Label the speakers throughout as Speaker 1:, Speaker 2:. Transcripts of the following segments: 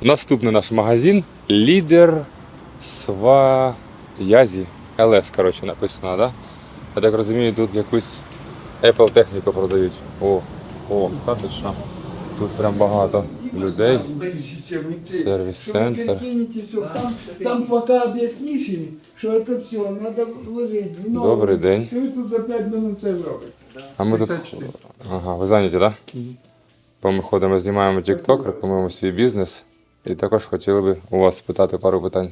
Speaker 1: Наступний наш магазин Лідер Сваязі. ЛС, коротше, написано, да? Я так розумію, тут якусь Apple техніку продають. Та ти що? Тут прям багато людей. Сервіс-центр.
Speaker 2: Там поки об'ясниш їм, що це все, треба вложити.
Speaker 1: Добрий день.
Speaker 2: І ви тут за 5 хвилин це зробите.
Speaker 1: А ми тут... Ага, ви зайняті, так? Да? Ми ходимо, знімаємо TikTok, рекламуємо свій бізнес. І також хотіли би у вас спитати пару питань.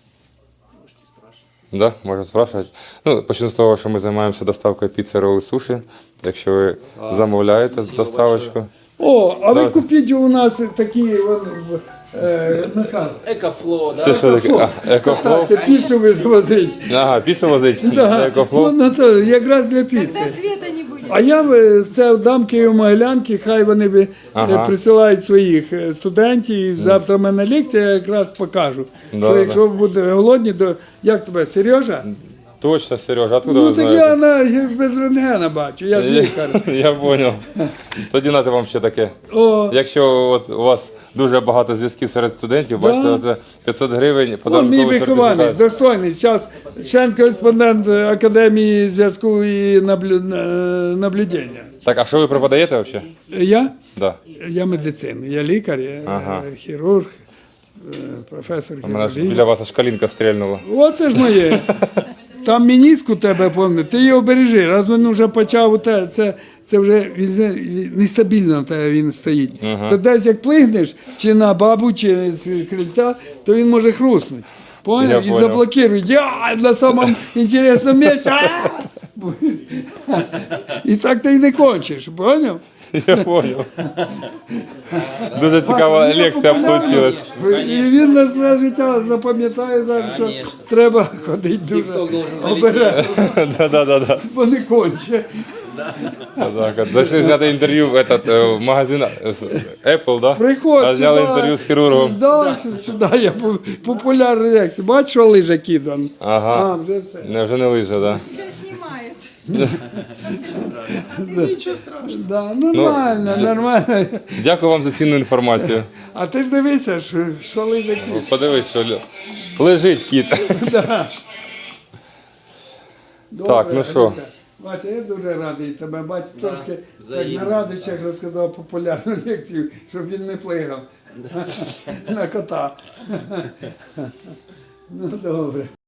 Speaker 1: Да, можна спрашувати. Ну, почну з того, що ми займаємося доставкою піци, роли, суші. Якщо ви замовляєте доставочку.
Speaker 2: О, а ви купіть у нас такі наказ.
Speaker 3: Екофло, да?
Speaker 1: Це що таке? Екофлоу?
Speaker 2: Так, це піцу ви звозить.
Speaker 1: Ага, піцу возить?
Speaker 2: Да.
Speaker 1: Екофлоу?
Speaker 2: Ну, то якраз для
Speaker 4: Тогда
Speaker 2: піци.
Speaker 4: света не будет.
Speaker 2: А я це дам Києво-Могилянки, хай вони присилають своїх студентів. Завтра в мене лекція, я якраз покажу. Що якщо ви будете голодні, то як тебе, Сережа?
Speaker 1: Точно, Сережа, откуда
Speaker 2: Ну
Speaker 1: ви
Speaker 2: так
Speaker 1: знаєте?
Speaker 2: я без рентгена бачу, я ж лікар.
Speaker 1: Я зрозумів. Тоді нате вам ще таке.
Speaker 2: О,
Speaker 1: Якщо от у вас дуже багато зв'язків серед студентів, бачите, це 500 гривень,
Speaker 2: мій
Speaker 1: подарунковий
Speaker 2: вихованець,
Speaker 1: сертифікат.
Speaker 2: достойний. Зараз член-кореспондент Академії зв'язку і наблюдення.
Speaker 1: Так, а що ви преподаєте взагалі?
Speaker 2: Я?
Speaker 1: Да.
Speaker 2: Я медицину, я лікар, я хірург, професор
Speaker 1: У мене ж
Speaker 2: хірургії.
Speaker 1: біля вас аж калінка стрільнула.
Speaker 2: Оце ж моє. Там мініск у тебе, пам'ятаю, ти його бережи. Раз він вже почав, це вже нестабільно в тебе він стоїть. То десь як плигнеш, чи на бабу, чи з крильця, то він може хруснути. Поняв? І
Speaker 1: понял.
Speaker 2: заблокирують. На самому інтересному місці. І так ти і не кончиш, поняв?
Speaker 1: Я зрозумів. Дуже цікава лекція вийшла.
Speaker 2: І він на все життя запам'ятає зараз, що треба ходити дуже обережно,
Speaker 1: Да.
Speaker 2: бо не конче.
Speaker 1: Зайшли зняти інтерв'ю в магазин Apple, да?
Speaker 2: Приходь
Speaker 1: А зняли
Speaker 2: сюди.
Speaker 1: інтерв'ю з хірургом.
Speaker 2: Да, сюди я популярний лекцій. Бачиш, що лижа кидан?
Speaker 1: Ага.
Speaker 2: Вже все.
Speaker 1: Не, вже не лиже, да?
Speaker 4: Тебя снимают. Ничего страшного.
Speaker 2: Да, нормально, нормально.
Speaker 1: Дякую вам за цінну інформацію.
Speaker 2: А ти ж дивися, що лижа кидан.
Speaker 1: Подивись, що лежить кіт.
Speaker 2: Да.
Speaker 1: Так, ну що?
Speaker 2: Аліса. Вася, я дуже радий тебе бачити. Трошки так, на радощах розказав популярну лекцію, щоб він не плигав на кота. Ну, добре.